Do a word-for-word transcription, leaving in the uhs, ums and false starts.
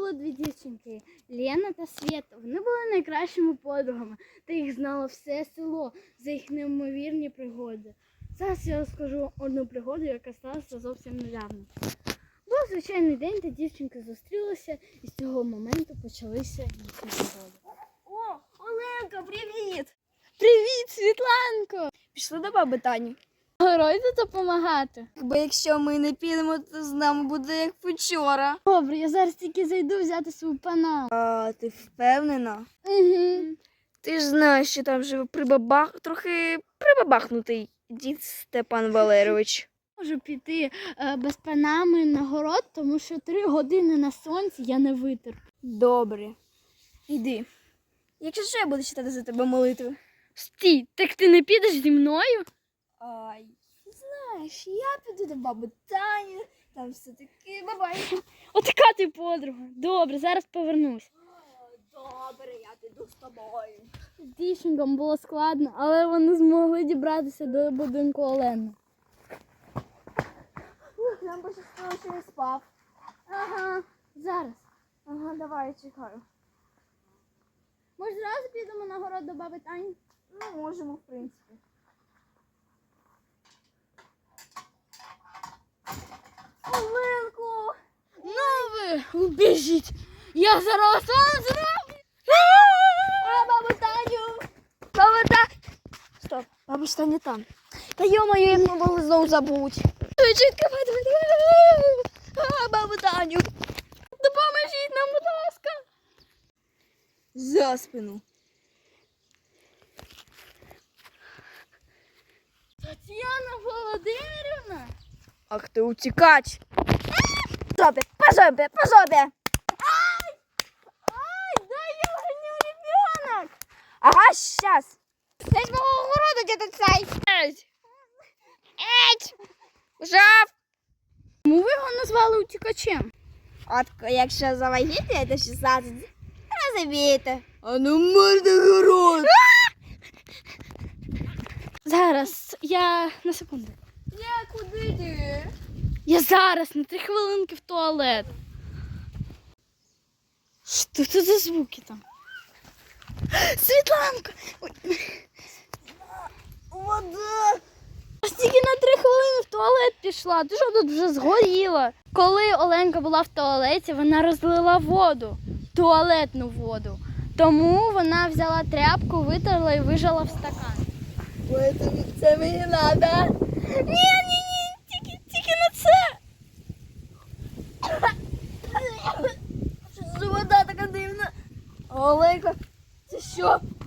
було дві дівчинки – Лена та Свєта. Вони були найкращими подругами, та їх знало все село за їх неймовірні пригоди. Зараз я розкажу одну пригоду, яка сталася зовсім недавно. Був звичайний день, та дівчинки зустрілися, і з цього моменту почалися їхні пригоди. О, Оленка, привіт! Привіт, Світланко! Пішли до баби Тані. Герой допомагати. Бо якщо ми не підемо, то з нами буде як вчора. Добре, я зараз тільки зайду взяти свою панаму. А ти впевнена? Угу. Ти ж знаєш, що там живе прибабах... трохи прибабахнутий дід Степан Валерійович. Можу піти е, без панами на город, тому що три години на сонці я не витерплю. Добре. Іди. Якщо що, я буду читати за тебе молитви. Стій, так ти не підеш зі мною? Ай, знаєш, я піду до баби Тані, там все таки бабай. Отака ти подруга. Добре, зараз повернусь. Добре, я піду з тобою. З дівчинкам було складно, але вони змогли дібратися до будинку Олени. Ух, нам пощастило, що не спав. Ага, зараз. Ага, давай, я чекаю. Може, зразу підемо на город до баби Тані? Ну, можемо, в принципі. Оленко! Ну ви, убіжіть! Я зараз вам зроблю! А, бабу Таню! Баба Таня! Стоп, бабуся Таня там. Та йо-моє, як ми могли знову забути. Чітко, давай, давай, давай. А, бабу Таню! Допоможіть нам, будь ласка! За спину. Тетяна Володимирівна! Ах ти утікач! По жопі, по жопі, по жопі! Ай! Ай, да я гоню ребенок! Ага, щас! Це ж мого городу где-то цей! Еть! Жав! Чому ви його назвали утікачем? От якщо завагіти, це шістнадцять. Розумієте. А ну морда город! Зараз, я на секунду. Я куди ти? Я зараз на три хвилинки в туалет. Що це за звуки там? Світланка! Ой. Вода! Я тільки на три хвилини в туалет пішла. Ти що тут вже згоріла? Коли Оленка була в туалеті, вона розлила воду, туалетну воду. Тому вона взяла тряпку, витерла і вижала в стакан. Ой, це, це мені надо. Ні, ні, ні, тільки, тільки на це. Що за вода така дивна? Оленка, це що?